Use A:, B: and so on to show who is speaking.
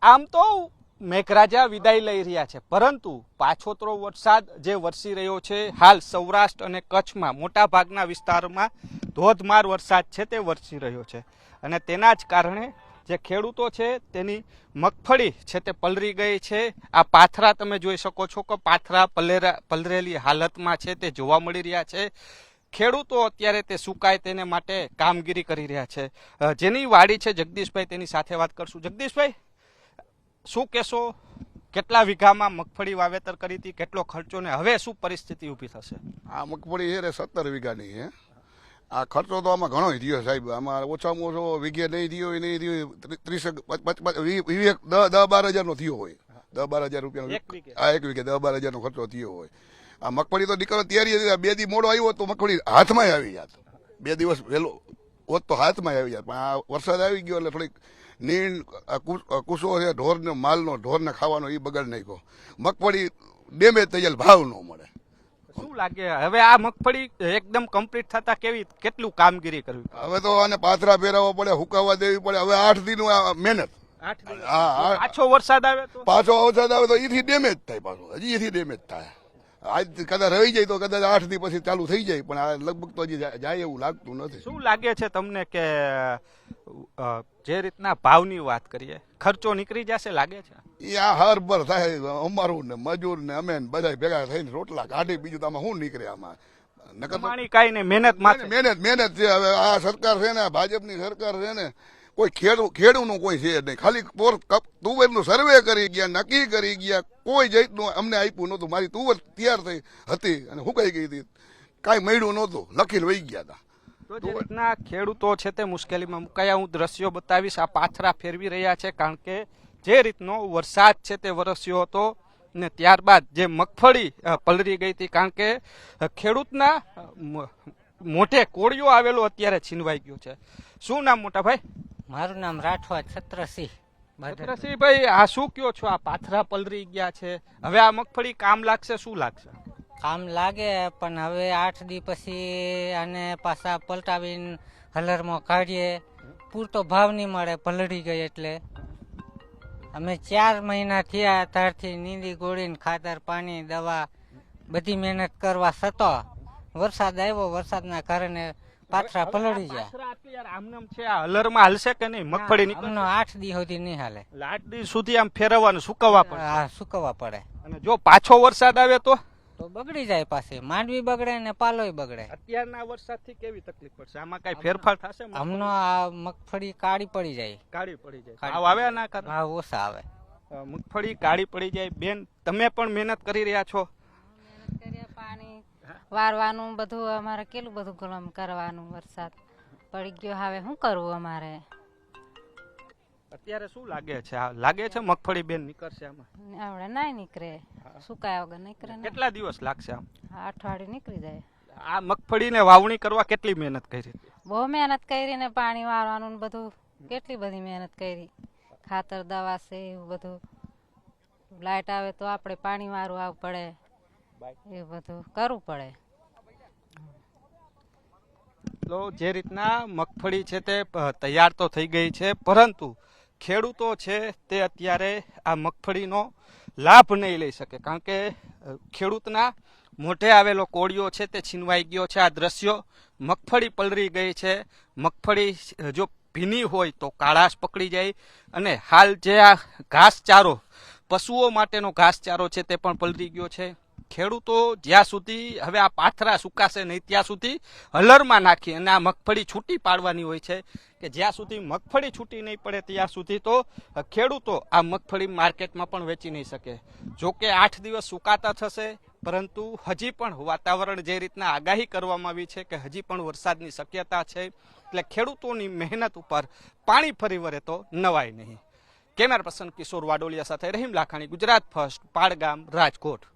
A: આમ તો મેઘરાજા વિદાય લઈ રહ્યા છે, પરંતુ પાછોતરો વરસાદ જે વરસી રહ્યો છે હાલ સૌરાષ્ટ્ર અને કચ્છમાં મોટા ભાગના વિસ્તારમાં ધોધમાર વરસાદ છે તે વરસી રહ્યો છે અને તેના જ કારણે જે ખેડૂતો છે તેની મગફળી છે તે પલળી ગઈ છે। આ પાથરા તમે જોઈ શકો છો કે પાથરા પલરેલી હાલતમાં છે તે જોવા મળી રહ્યા છે। ખેડૂતો અત્યારે તે સુકાય તેને માટે કામગીરી કરી રહ્યા છે। જેની વાડી છે જગદીશભાઈ, તેની સાથે વાત કરશું। જગદીશભાઈ, શું કહેશો, કેટલા વીઘામાં મગફળી વાવેતર કરી હતી, કેટલો ખર્ચો ને હવે શું પરિસ્થિતિ ઊભી થશે?
B: આ મગફળી છે 17 વીઘાની છે। આ ખર્ચો તો આમાં ઘણો થયો સાહેબ, આમાં ઓછામાં ઓછો વીઘે નહીં થયો 10-12 હજારનો થયો હોય, 10-12 હજાર રૂપિયાનો આ એક વીઘે 10-12 હજારનો ખર્ચો થયો હોય। આ મગફળી તો નીકળવા તૈયારી હતી, 2 દી મોડો આવ્યો તો મગફળી હાથમાં આવી જાત, 2 દિવસ વહેલો હોત તો હાથમાં આવી જાત, પણ આ વરસાદ આવી ગયો એટલે થોડીક નીણ કુસો છે ઢોરને માલનો ઢોરને ખાવાનો એ બગાડ નાખ્યો, મગફળી ડેમેજ થઈ જાય, ભાવ ન મળે।
A: શું લાગે હવે આ મગફળી એકદમ કમ્પ્લીટ થતા કેટલું કામગીરી કરવી?
B: હવે તો આને પાથરા ફેરવવા પડે, હુકાવા દેવી પડે, હવે 8 દી નું મહેનત।
A: પાછો વરસાદ આવે
B: તો એથી ડેમેજ થાય, પાછું હજી એથી ડેમેજ થાય। આજ કદાચ રહી જાય તો કદાચ 8 દી પછી ચાલુ થઈ જાય, પણ આ લગભગ તો હજી જાય એવું લાગતું નથી।
A: શું લાગે છે તમને કે જે રીતના ભાવની વાત કરીએ, ખર્ચો નીકળી જશે લાગે છે?
B: એ આ હરભર થાય, અમારું ને મજૂર ને અમે બધા ભેગા થઈને રોટલા કાઢી, બીજું તો આમાં શું નીકળે? આમાં
A: નકર કઈ નહીં,
B: મહેનત છે। હવે આ સરકાર છે ને, ભાજપની સરકાર છે ને, કોઈ ખેડૂતનું કોઈ છે નહીં, ખાલી તુવેરનું સર્વે કરી ગયા, નક્કી કરી ગયા, કોઈ જાતનું અમને આપ્યું નહોતું। મારી તુવેર તૈયાર થઈ હતી અને હુકાઈ ગઈ હતી, કાંઈ મળ્યું નહોતું, લખીને વહી ગયા હતા।
A: તો જે રીતના ખેડૂતો છે તે મુશ્કેલીમાં મુકાયા, હું દ્રશ્યો બતાવીશ। આ પાથરા ફેરવી રહ્યા છે, કારણ કે જે રીતનો વરસાદ છે તે વરસ્યો હતો ને ત્યારબાદ જે મગફળી પલળી ગઈ હતી, કારણ કે ખેડૂતના મોઢે કોળિયો આવેલો અત્યારે છીનવાઈ ગયો છે। શું નામ મોટા ભાઈ?
C: મારું નામ રાઠવા છત્રસિંહ।
A: ભાઈ, આ શું કયો છો? આ પાથરા પલળી ગયા છે, હવે આ મગફળી કામ લાગશે? શું લાગશે?
C: કામ લાગે, પણ હવે 8 દી પછી આને પાછા પલટાવીને હલરમાં કાઢીએ, પૂરતો ભાવ નહીં મળે, પલળી ગઈ એટલે। અમે 4 મહિના થયા ત્યારથી નીંદી ગોળીને ખાતર પાણી દવા બધી મહેનત કરવા છતાં વરસાદ આવ્યો, વરસાદના કારણે પાથરા પલળી ગયા।
A: આમનામ છે આ હલરમાં હાલશે કે નહીં મગફળી?
C: 8 દી સુધી નહીં હાલે,
A: 8 દી સુધી આમ ફેરવવાનું, સુકવવા પડે।
C: હા, સુકવવા પડે।
A: અને જો પાછો વરસાદ આવે તો
C: બગડી જાય, પાછી માંડવી બગડે ને પાલોય બગડે।
A: અત્યારના વરસાદથી કેવી તકલીફ પડશે? આમાં કઈ ફેરફાર થશે?
C: હમણાં આ મગફળી કાળી પડી જાય,
A: ભાવ આવે ના કરે?
C: ભાવ ઓછા આવે,
A: મગફળી કાળી પડી જાય। બેન, તમે પણ મહેનત કરી રહ્યા છો?
D: પાણી વારવાનું બધું અમારે કેટલું બધું ગલમ કરવાનું, વરસાદ પડી ગયો, હવે શું કરવું અમારે?
A: અત્યારે શું લાગે છે? લાગે છે મગફળી બેન નીકળશે આમાં?
D: આવડે ના નીકળે, સુકાયા વગર નીકળે।
A: કેટલા દિવસ લાગશે આમ?
D: અઠવાડિયું નીકળી જાય।
A: આ મગફળીને વાવણી કરવા કેટલી મહેનત કરી?
D: બહુ મહેનત કરી ને પાણી વારવાનું બધું, કેટલી બધી મહેનત કરી, ખાતર દવા છે એવું બધું, લાઈટ આવે તો આપણે પાણી વારવું આવવું પડે, એ બધું કરવું પડે।
A: તો જે રીતના મગફળી છે તે તૈયાર તો થઈ ગઈ છે, પરંતુ ખેડૂતો છે તે અત્યારે આ મગફળીનો લાભ નહીં લઈ શકે, કારણ કે ખેડૂતના મોઢે આવેલો કોળિયો છે તે છીનવાઈ ગયો છે। આ દ્રશ્યો, મગફળી પલળી ગઈ છે, મગફળી જો ભીની હોય તો કાળાશ પકડી જાય, અને હાલ જે આ ઘાસચારો, પશુઓ માટેનો ઘાસચારો છે તે પણ પલળી ગયો છે। ખેડૂતો જ્યાં સુધી હવે આ પાથરા સુકાશે નહીં ત્યાં સુધી હલરમાં નાખી અને આ મગફળી છૂટી પાડવાની હોય છે, કે જ્યાં સુધી મગફળી છૂટી નહીં પડે ત્યાં સુધી તો ખેડૂતો આ મગફળી માર્કેટમાં પણ વેચી નહીં શકે। જોકે 8 દિવસ સુકાતા થશે, પરંતુ હજી પણ વાતાવરણ જે રીતના આગાહી કરવામાં આવી છે કે હજી પણ વરસાદની શક્યતા છે, એટલે ખેડૂતોની મહેનત ઉપર પાણી ફરી વળે તો નવાય નહીં। કેમેરા પર્સન કિશોર વાડોલિયા સાથે રહીમ લાખાણી, ગુજરાત ફર્સ્ટ, પાડગામ, રાજકોટ।